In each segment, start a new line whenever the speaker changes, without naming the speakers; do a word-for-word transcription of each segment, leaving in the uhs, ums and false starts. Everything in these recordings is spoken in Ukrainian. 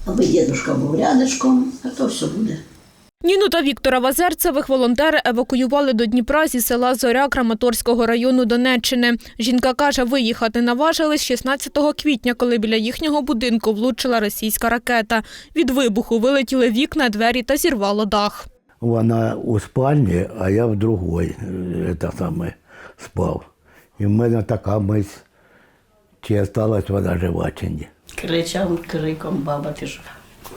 Аби дідушка був рядочком, а то все буде.
Ніну та Віктора Вазерцевих волонтери евакуювали до Дніпра зі села Зоря Краматорського району Донеччини. Жінка каже, виїхати наважились шістнадцятого квітня, коли біля їхнього будинку влучила російська ракета. Від вибуху вилетіли вікна, двері та зірвало дах.
Вона у спальні, а я в другій це саме, спав. І в мене така мисль, чи залишилась вона жива, чи ні.
Кричав криком, баба, ти жива.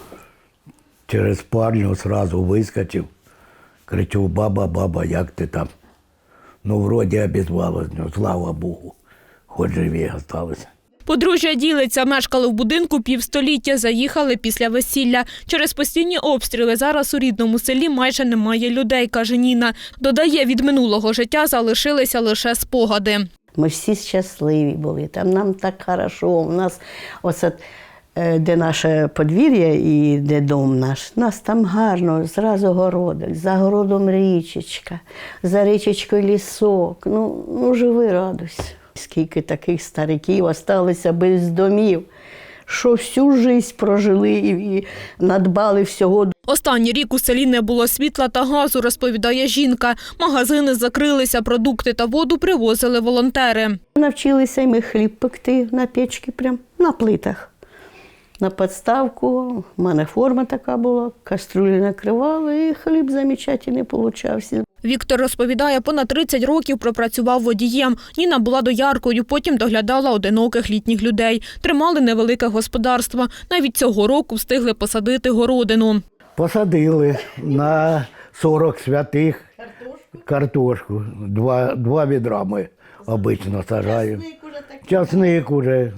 Через спальню одразу вискочив, кричу: баба, баба, як ти там? Ну, вроді обізвалась, ну, слава Богу, хоч живі залишилися.
Подружжя ділиться, мешкали в будинку півстоліття, заїхали після весілля. Через постійні обстріли зараз у рідному селі майже немає людей, каже Ніна. Додає, від минулого життя залишилися лише спогади.
Ми всі щасливі були, там нам так хорошо. У нас оце, де наше подвір'я і де дом наш, нас там гарно, зразу городок, за городом річечка, за річечкою лісок. Ну, ну живи, радуйся. Скільки таких стариків осталися без домів, що всю життя прожили і надбали всього.
Останній рік у селі не було світла та газу, розповідає жінка. Магазини закрилися, продукти та воду привозили волонтери.
Навчилися і ми хліб пекти на печці, прям на плитах. На підставку, у мене форма така була, каструлі накривали, і хліб замечательний получався.
Віктор розповідає, понад тридцять років пропрацював водієм. Ніна була дояркою, потім доглядала одиноких літніх людей. Тримали невелике господарство. Навіть цього року встигли посадити городину.
Посадили на сорок святих картошку. Два, два відра ми обично сажаємо. Часник уже,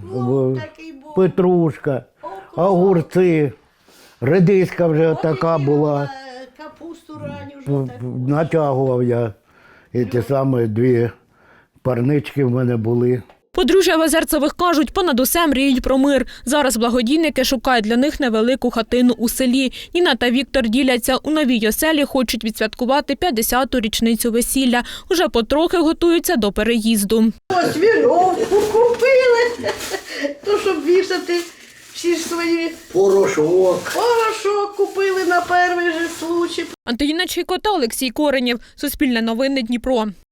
петрушка, огурці, редиска вже така була. Натягував я, і ті самі дві парнички в мене були.
Подружжя Вазерцевих кажуть, понад усе мріють про мир. Зараз благодійники шукають для них невелику хатину у селі. Ніна та Віктор діляться, у новій оселі хочуть відсвяткувати п'ятдесяту річницю весілля. Уже потрохи готуються до переїзду.
Ось вірьовку купили, то щоб вішати всі ж свої.
Порошок.
Порошок купили на перший же случай.
Антоніна Чайко та Олексій Коренєв. Суспільне новини Дніпро.